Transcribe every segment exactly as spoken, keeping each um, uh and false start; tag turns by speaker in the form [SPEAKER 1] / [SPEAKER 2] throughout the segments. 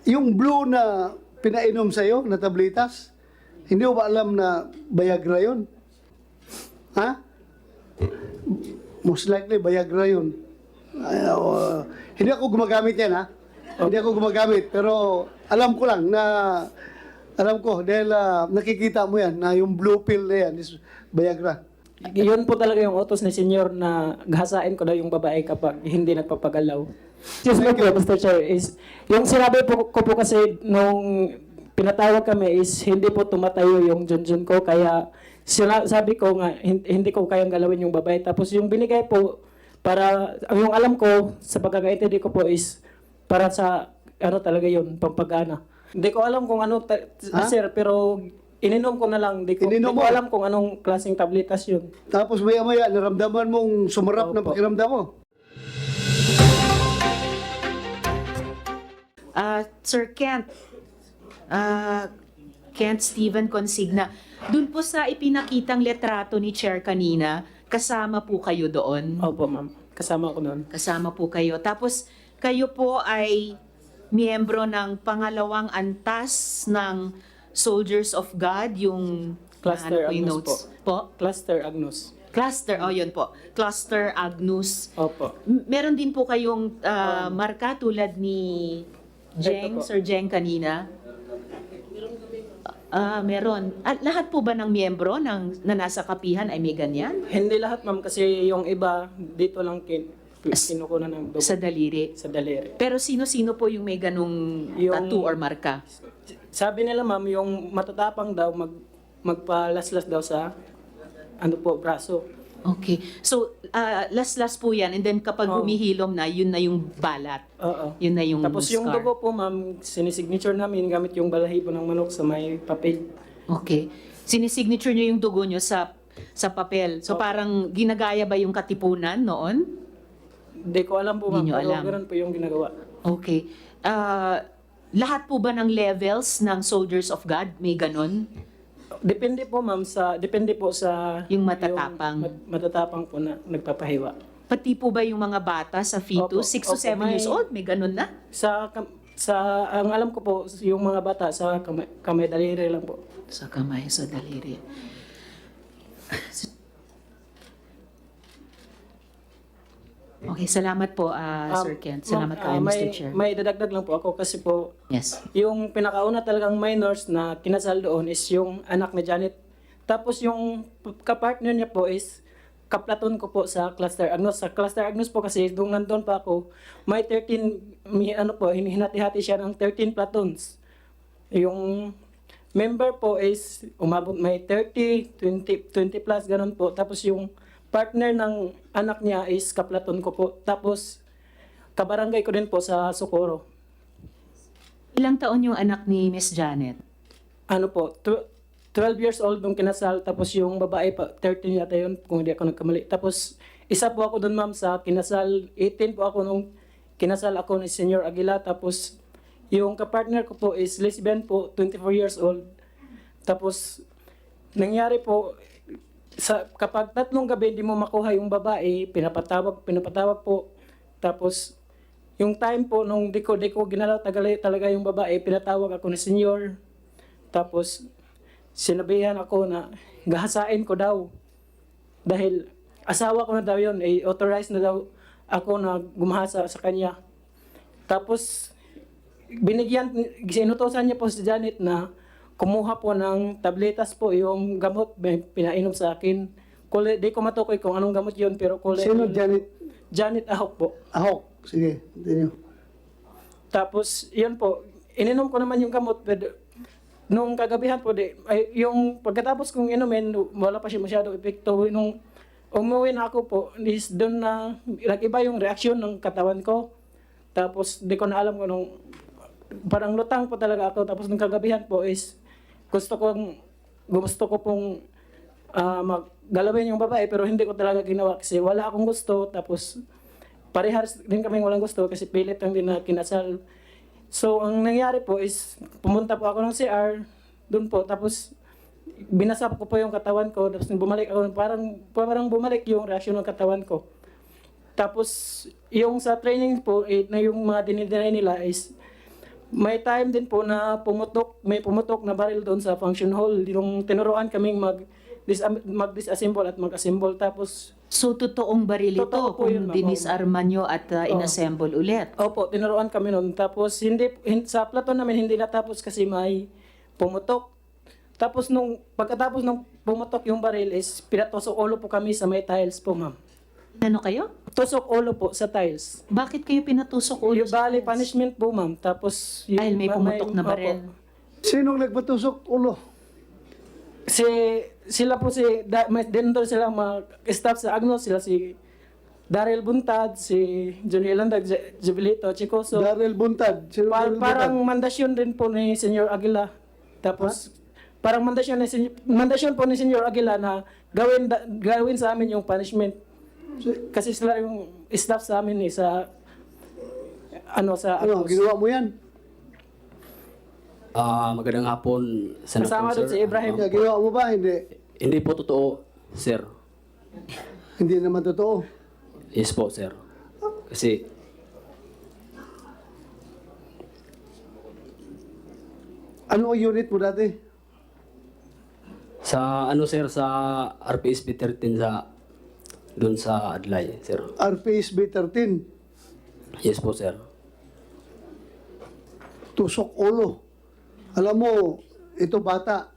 [SPEAKER 1] yung blue na pinainom sa'yo na tabletas, hindi mo ba alam na Viagra yun? Ha? Most likely, Viagra yun. Ay, uh, hindi ako gumagamit yan, ha? Hindi ako gumagamit, pero alam ko lang na, alam ko, dahil uh, nakikita mo yan, na yung blue pill na yan is Viagra.
[SPEAKER 2] Yun po talaga yung utos ni Senyor na gahasain ko daw yung babae kapag hindi nagpapagalaw. Excuse me po, Mister Chair, is, yung sinabi po ko po kasi nung pinatawag kami is hindi po tumatayo yung junjun ko, kaya sila, sabi ko nga hin- hindi ko kayang galawin yung babae. Tapos yung binigay po para, yung alam ko sa pagkakaintindi ko po is para sa ano talaga yun, pampagana. Hindi ko alam kung ano, ta-
[SPEAKER 1] Ha?
[SPEAKER 2] sir, pero ininom ko na lang. Hindi ko,
[SPEAKER 1] Ininom
[SPEAKER 2] di ko
[SPEAKER 1] mo?
[SPEAKER 2] alam kung anong klaseng tabletas yun.
[SPEAKER 1] Tapos maya-maya, naramdaman mong sumarap ng
[SPEAKER 2] Opo.
[SPEAKER 1] pakiramdam mo.
[SPEAKER 3] Ah, Sir Kent, ah, Kent Steven Consigna, dun po sa ipinakitang letrato ni Chair kanina, kasama po kayo doon?
[SPEAKER 2] Opo, ma'am. Kasama ko noon.
[SPEAKER 3] Kasama po kayo. Tapos kayo po ay miyembro ng pangalawang antas ng Soldiers of God, yung
[SPEAKER 2] Cluster
[SPEAKER 3] ano po yung
[SPEAKER 2] Agnus
[SPEAKER 3] notes po.
[SPEAKER 2] Cluster Agnus.
[SPEAKER 3] Cluster, oh yun po. Cluster Agnus.
[SPEAKER 2] Opo.
[SPEAKER 3] M- Meron din po kayong ah, marka tulad ni Jeng,
[SPEAKER 2] Ito po.
[SPEAKER 3] Sir Jeng kanina? Ah, meron. At lahat po ba ng miyembro ng na nasa kapihan ay may ganyan?
[SPEAKER 2] Hindi lahat, ma'am, kasi yung iba dito lang kin kinukunan ng dugo
[SPEAKER 3] Sa daliri.
[SPEAKER 2] sa daliri.
[SPEAKER 3] Pero sino-sino po yung may ganung
[SPEAKER 2] Yung-
[SPEAKER 3] tattoo or marka?
[SPEAKER 2] Sabi nila, ma'am, yung matatapang daw mag magpalaslas daw sa ano po, braso.
[SPEAKER 3] Okay. So, ah, last-last po yan. And then kapag
[SPEAKER 2] Oh.
[SPEAKER 3] humihilom na, yun na yung balat.
[SPEAKER 2] Oo.
[SPEAKER 3] Yun na yung
[SPEAKER 2] Tapos yung
[SPEAKER 3] scar.
[SPEAKER 2] dugo po, ma'am, sinisignature namin gamit yung balahibo ng manok sa may papel.
[SPEAKER 3] Okay. Sinisignature nyo yung dugo nyo sa sa papel. So,
[SPEAKER 2] Opo.
[SPEAKER 3] parang ginagaya ba yung katipunan noon?
[SPEAKER 2] Hindi ko alam po, ma'am,
[SPEAKER 3] Hindi nyo
[SPEAKER 2] pero
[SPEAKER 3] alam.
[SPEAKER 2] ganun po yung ginagawa.
[SPEAKER 3] Okay. Ah, lahat po ba ng levels ng Soldiers of God may ganon?
[SPEAKER 2] Depende po, ma'am, sa depende po sa
[SPEAKER 3] Yung matatapang.
[SPEAKER 2] mat- matatapang po na nagpapahiwa.
[SPEAKER 3] Pati po ba yung mga bata sa
[SPEAKER 2] Opo.
[SPEAKER 3] fetus, six to
[SPEAKER 2] Opo,
[SPEAKER 3] seven
[SPEAKER 2] may-
[SPEAKER 3] years old, may ganon na?
[SPEAKER 2] Sa kam- sa ang alam ko po yung mga bata sa kamay, kamay daliri lang po.
[SPEAKER 3] Sa kamay, sa daliri. Okay, salamat po, ah,
[SPEAKER 2] Um,
[SPEAKER 3] Sir Kent.
[SPEAKER 2] ma'am,
[SPEAKER 3] Salamat
[SPEAKER 2] ah,
[SPEAKER 3] kayo,
[SPEAKER 2] may,
[SPEAKER 3] Mister Chair.
[SPEAKER 2] May dadagdag lang po ako kasi po
[SPEAKER 3] Yes.
[SPEAKER 2] yung pinakauna talagang minors na kinasal doon is yung anak ni Janet. Tapos yung kapartner niya po is kaplaton ko po sa Cluster Agnus. Sa Cluster Agnus po kasi nung nandun pa ako, may thirteen, may ano po, hinati-hati siya ng thirteen platoons. Yung member po is umabot may thirty, twenty, twenty plus ganun po. Tapos yung partner ng anak niya is kaplaton ko po. Tapos kabarangay ko din po sa Socorro.
[SPEAKER 3] Ilang taon yung anak ni Miss Janet?
[SPEAKER 2] Ano po, tw- twelve years old nung kinasal, tapos yung babae pa, thirteen yata yun, kung hindi ako nagkamali. Tapos, isa po ako doon, ma'am, sa kinasal, eighteen po ako nung kinasal ako ni Senyor Aguila. Tapos, yung kapartner ko po is lesbian po, twenty-four years old. Tapos, nangyari po, sa, kapag tatlong gabi hindi mo makuha yung babae, pinapatawag, pinapatawag po. Tapos, yung time po, nung di ko, di ko ginalaw talaga, talaga yung babae, pinatawag ako ni Senyor. Tapos, sinabihan ako na gahasain ko daw. Dahil asawa ko na daw yun, eh, authorized na daw ako na gumahasa sa kanya. Tapos, binigyan, sinutosan niya po si Janet na kumuha po ng tabletas po, yung gamot, may pinainom sa akin. Kule, di ko matukoy kung anong gamot yun, pero kule,
[SPEAKER 1] Sino, Janet?
[SPEAKER 2] Janet Ahok po.
[SPEAKER 1] Ahok. Sige, continue.
[SPEAKER 2] Tapos, yun po, ininom ko naman yung gamot, pero nung kagabihan po, di, ay, yung pagkatapos kong inumin, wala pa siya masyadong epekto. Nung umuwi na ako po, is doon na, nag-iba yung reaksyon ng katawan ko. Tapos, di ko na alam kung nung, parang lutang po talaga ako. Tapos, nung kagabihan po is, gusto kong, gusto ko pong ah, maggalawin yung babae, pero hindi ko talaga ginawa kasi wala akong gusto. Tapos, parehas din kaming walang gusto kasi pilit lang din na kinasal. So, ang nangyari po is, pumunta po ako ng C R, doon po, tapos, binasap ko po yung katawan ko, tapos nung bumalik ako, parang, parang bumalik yung reaksyon ng katawan ko. Tapos, yung sa training po, eh, na yung mga dinideny nila is, may time din po na pumutok, may pumutok na baril doon sa function hall. Yung tinuruan kaming mag dis mag-disassemble at mag-assemble. Tapos,
[SPEAKER 3] So, totoong baril ito
[SPEAKER 2] Totoo po
[SPEAKER 3] kung
[SPEAKER 2] yun, ma'am.
[SPEAKER 3] dinisarma nyo at uh, inassemble ulit.
[SPEAKER 2] opo, tinuruan kami noon. Tapos, hindi, hin- sa platon namin hindi natapos kasi may pumutok. Tapos, nung pagkatapos nung pumutok yung baril is pinatusok ulo po kami sa may tiles po, ma'am.
[SPEAKER 3] Ano kayo?
[SPEAKER 2] Tusok ulo po sa tiles.
[SPEAKER 3] Bakit kayo pinatusok ulo?
[SPEAKER 2] Yung bali punishment po, ma'am. Tapos, yung,
[SPEAKER 3] Dahil may pumutok na
[SPEAKER 2] opo.
[SPEAKER 3] baril.
[SPEAKER 1] Sinong nagpatusok ulo?
[SPEAKER 2] Si sila po si da, may din doon sila mga staff sa Agnos, sila si Daryl Buntad, si Johnny Elandag, J- Jubilito, Chicoso.
[SPEAKER 1] Daryl Buntad. Sino
[SPEAKER 2] Pa-
[SPEAKER 1] Daryl
[SPEAKER 2] parang
[SPEAKER 1] Buntad?
[SPEAKER 2] mandasyon din po ni Senyor Aguila. Tapos parang mandasyon ni Senyor, mandasyon po ni Senyor Aguila na gawin da- gawin sa amin yung punishment. Kasi sila yung staff sa amin eh, sa ano sa
[SPEAKER 1] Ano,
[SPEAKER 2] Agnos.
[SPEAKER 1] ginawa mo yan?
[SPEAKER 4] Ah, magandang hapon, Senator,
[SPEAKER 2] Kasama doon
[SPEAKER 4] sir.
[SPEAKER 2] si Ibrahim.
[SPEAKER 1] Kaya ginawa mo ba? Hindi.
[SPEAKER 4] Hindi po totoo, sir.
[SPEAKER 1] Hindi naman totoo.
[SPEAKER 4] Yes po, sir. Kasi,
[SPEAKER 1] Ano ang unit mo dati?
[SPEAKER 4] sa ano, sir, sa R P S B thirteen sa, doon sa Adlay, sir.
[SPEAKER 1] R P S B thirteen.
[SPEAKER 4] Yes po, sir.
[SPEAKER 1] Tusok ulo. Alam mo, ito bata.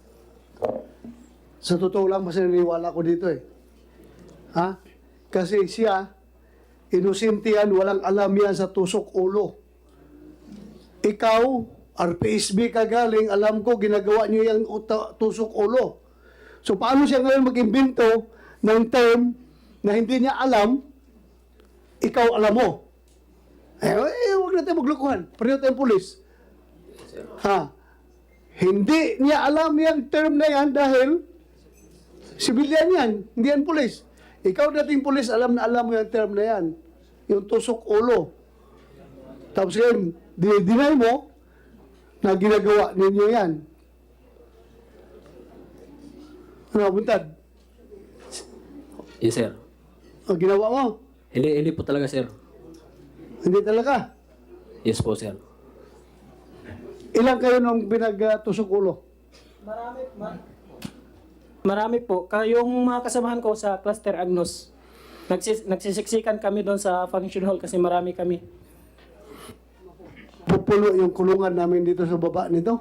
[SPEAKER 1] Sa totoo lang, mas naniniwala ko dito eh. Ha? Kasi siya, inosente yan, walang alam yan sa tusok ulo. Ikaw, R P S B ka galing, alam ko, ginagawa niyo yung uta- tusok ulo. So, paano siya ngayon mag-imbento ng term na hindi niya alam, ikaw alam mo? Eh, eh huwag natin maglukuhan. Pareho tayong pulis. Ha? Hindi niya alam yung term na yan dahil civilian yan, hindi yan pulis. Ikaw dating pulis, alam na alam mo yung term na yan. Yung tusok ulo. Tapos ngayon, dinay mo na ginagawa ninyo yan. Ano, Buntad?
[SPEAKER 4] Yes, sir.
[SPEAKER 1] Ang ginawa mo?
[SPEAKER 4] Hindi, hindi po talaga, sir.
[SPEAKER 1] Hindi talaga.
[SPEAKER 4] Yes po, sir.
[SPEAKER 1] Ilang kayo nung pinagtusok ulo?
[SPEAKER 2] Marami po. Kayong mga kasamahan ko sa Cluster Agnos, nagsis nagsisiksikan kami doon sa function hall kasi marami kami.
[SPEAKER 1] Pupulo yung kulungan namin dito sa baba nito.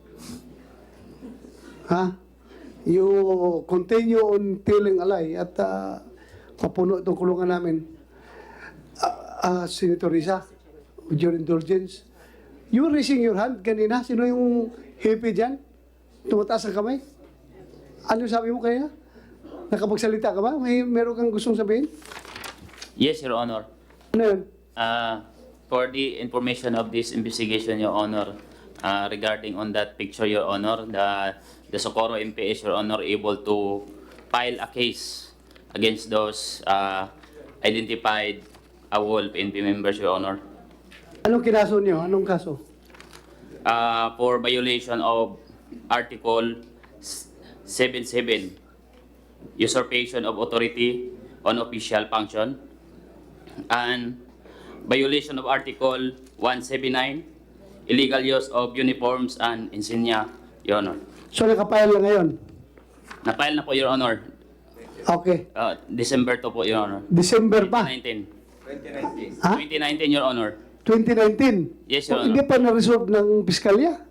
[SPEAKER 1] Ha? You continue on telling a lie at uh, papuno itong kulungan namin. Uh, uh, Senator Risa, with your indulgence, you were raising your hand kanina. Sino yung hippie dyan? Tumataas ang kamay? Ano sabi mo kaya? Nakapagsalita ka ba? May meron kang gustong sabihin?
[SPEAKER 5] Yes, Your Honor.
[SPEAKER 1] Ano yun?
[SPEAKER 5] Uh, for the information of this investigation, Your Honor, uh, regarding on that picture, Your Honor, the the Socorro M P S, Your Honor, able to file a case against those uh, identified AWOL P N P members, Your Honor,
[SPEAKER 1] Anong kinaso niyo? Anong kaso?
[SPEAKER 5] uh, for violation of Article seventy-seven, usurpation of authority on official function, and violation of Article one seventy-nine, illegal use of uniforms and insignia, Your Honor.
[SPEAKER 1] So nakapayal lang ngayon?
[SPEAKER 5] Na-file na po, Your Honor.
[SPEAKER 1] Okay.
[SPEAKER 5] Uh, December to po, Your Honor.
[SPEAKER 1] December pa?
[SPEAKER 5] twenty nineteen.
[SPEAKER 1] Ha?
[SPEAKER 5] twenty nineteen, Your Honor.
[SPEAKER 1] twenty nineteen?
[SPEAKER 5] Yes, Your
[SPEAKER 1] O, Hindi pa na-resolve ng piskalya?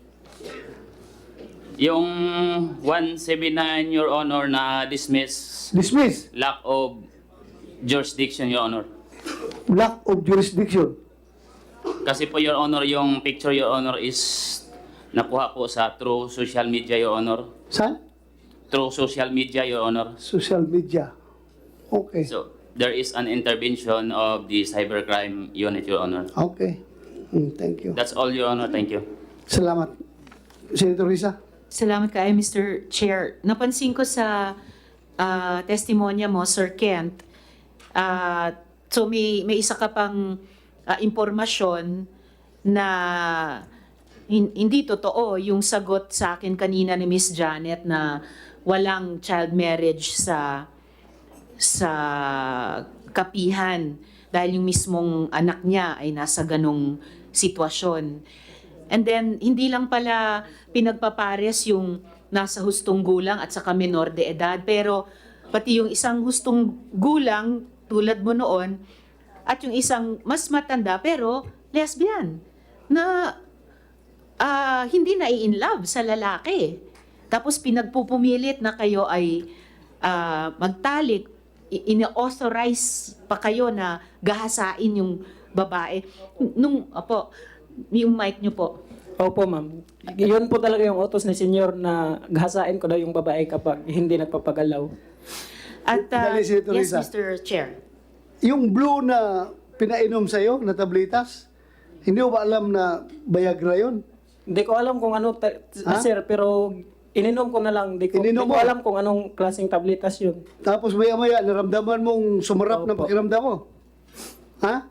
[SPEAKER 5] Yung one seventy-nine, Your Honor, na dismiss
[SPEAKER 1] Dismiss.
[SPEAKER 5] lack of jurisdiction, Your Honor.
[SPEAKER 1] Lack of jurisdiction.
[SPEAKER 5] Kasi po, Your Honor, yung picture, Your Honor, is nakuha po sa through social media, Your Honor.
[SPEAKER 1] Saan?
[SPEAKER 5] Through social media, Your Honor.
[SPEAKER 1] Social media. Okay.
[SPEAKER 5] So, there is an intervention of the cybercrime unit, Your Honor.
[SPEAKER 1] Okay. Mm, thank you.
[SPEAKER 5] That's all, Your Honor. Thank you.
[SPEAKER 1] Salamat. Senator Risa?
[SPEAKER 3] Salamat kayo, Mister Chair. Napansin ko sa ah, testimonya mo, Sir Kent, ah, so may, may isa ka pang ah, impormasyon na hin- hindi totoo yung sagot sa akin kanina ni Miss Janet na walang child marriage sa sa kapihan dahil yung mismong anak niya ay nasa ganong sitwasyon. And then, hindi lang pala pinagpapares yung nasa hustong gulang at saka menor de edad, pero pati yung isang hustong gulang tulad mo noon at yung isang mas matanda pero lesbian na ah, hindi na in love sa lalaki. Tapos pinagpupumilit na kayo ay ah, magtalik, I- ine-authorize pa kayo na gahasain yung babae. Nung, opo, yung mic nyo po.
[SPEAKER 2] Opo, ma'am. Yun po talaga yung utos ni senyor na gahasain ko daw yung babae kapag hindi nagpapagalaw.
[SPEAKER 3] At, ah,
[SPEAKER 1] Dali, Senator
[SPEAKER 3] yes,
[SPEAKER 1] Risa.
[SPEAKER 3] Mister Chair.
[SPEAKER 1] Yung blue na pinainom sa'yo, na tablitas, hindi mo ba alam na Viagra yun?
[SPEAKER 2] Hindi ko alam kung ano, ta-
[SPEAKER 1] Ha?
[SPEAKER 2] sir, pero ininom ko na lang. Hindi ko,
[SPEAKER 1] Ininom
[SPEAKER 2] di ko
[SPEAKER 1] mo?
[SPEAKER 2] alam kung anong klaseng tabletas yun.
[SPEAKER 1] Tapos maya-maya, naramdaman mong sumarap ng
[SPEAKER 2] Opo.
[SPEAKER 1] pakiramdam mo. Ha?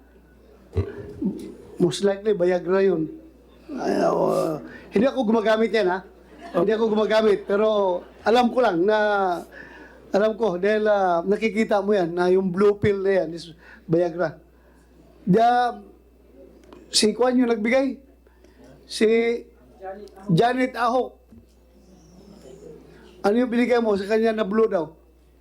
[SPEAKER 1] Most likely, Viagra yun. Ay, uh, hindi ako gumagamit yan, ha? Hindi ako gumagamit. Pero alam ko lang na, alam ko, dahil ah, nakikita mo yan, na yung blue pill na yan is Viagra. Da, si Kwan yung nagbigay? Si Janet Ahok. Ano yung binigay mo sa kanya na blue daw?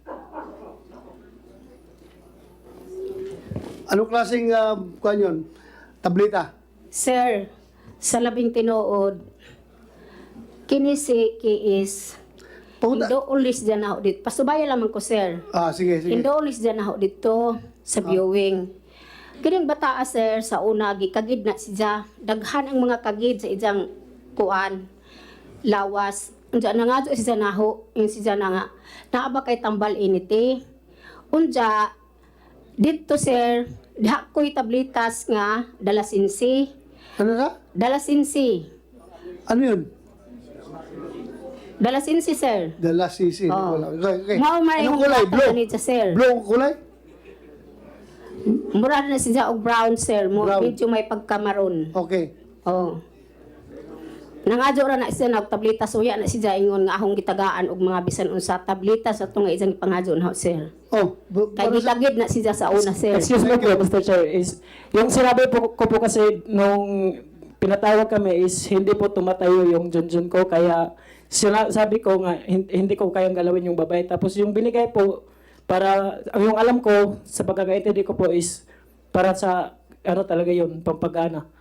[SPEAKER 1] Anong klaseng uh, Kwan yun? Tableta?
[SPEAKER 6] Sir, sa labing tinuod, kini si ki is
[SPEAKER 1] Puta.
[SPEAKER 6] Indo ulis dyan ako dito. Pasubaya lamang ko, sir.
[SPEAKER 1] Ah, sige, sige.
[SPEAKER 6] Indo ulis dyan ako dito sa viewing. Kining bataa, sir, sa una, gikagid na siya. Daghan ang mga kagid sa ijang kuan, lawas. Unja na nga siya naho, yung siya na nga. Naaba kay tambal initi. Unja, dito, sir, diha ko'y tablitas nga, dalasinsi.
[SPEAKER 1] Ano na?
[SPEAKER 6] Dalasinsi.
[SPEAKER 1] Ano yun?
[SPEAKER 6] Dalasinsi, sir.
[SPEAKER 1] Dala sisi.
[SPEAKER 6] Oo.
[SPEAKER 1] Okay, okay.
[SPEAKER 6] Mao may
[SPEAKER 1] Anong
[SPEAKER 6] yung
[SPEAKER 1] kulay?
[SPEAKER 6] bata
[SPEAKER 1] Blue?
[SPEAKER 6] ganit sa sir.
[SPEAKER 1] Blue ang kulay?
[SPEAKER 6] Mura na siya og brown, sir. Mo
[SPEAKER 1] Brown.
[SPEAKER 6] medyo may pagkamaroon.
[SPEAKER 1] Okay.
[SPEAKER 6] Oh. Nangadyo ra na siya na og tableta suya na siya ingon nga ahong gitagaan og mga bisan unsa tableta sa tunga isang pangadyo na sir.
[SPEAKER 1] Oh, bu-
[SPEAKER 6] Kay
[SPEAKER 1] para sa...
[SPEAKER 6] gitagid na siya sa una, sir.
[SPEAKER 2] Excuse me po, Mister Chair, is, yung sinabi po, ko po kasi nung pinatawag kami is hindi po tumatayo yung junjun ko, kaya sila, sabi ko nga hin- hindi ko kayang galawin yung babae. Tapos yung binigay po, para, yung alam ko, sa pagkakaintindi ko po is para sa, ano talaga yun, pampagana.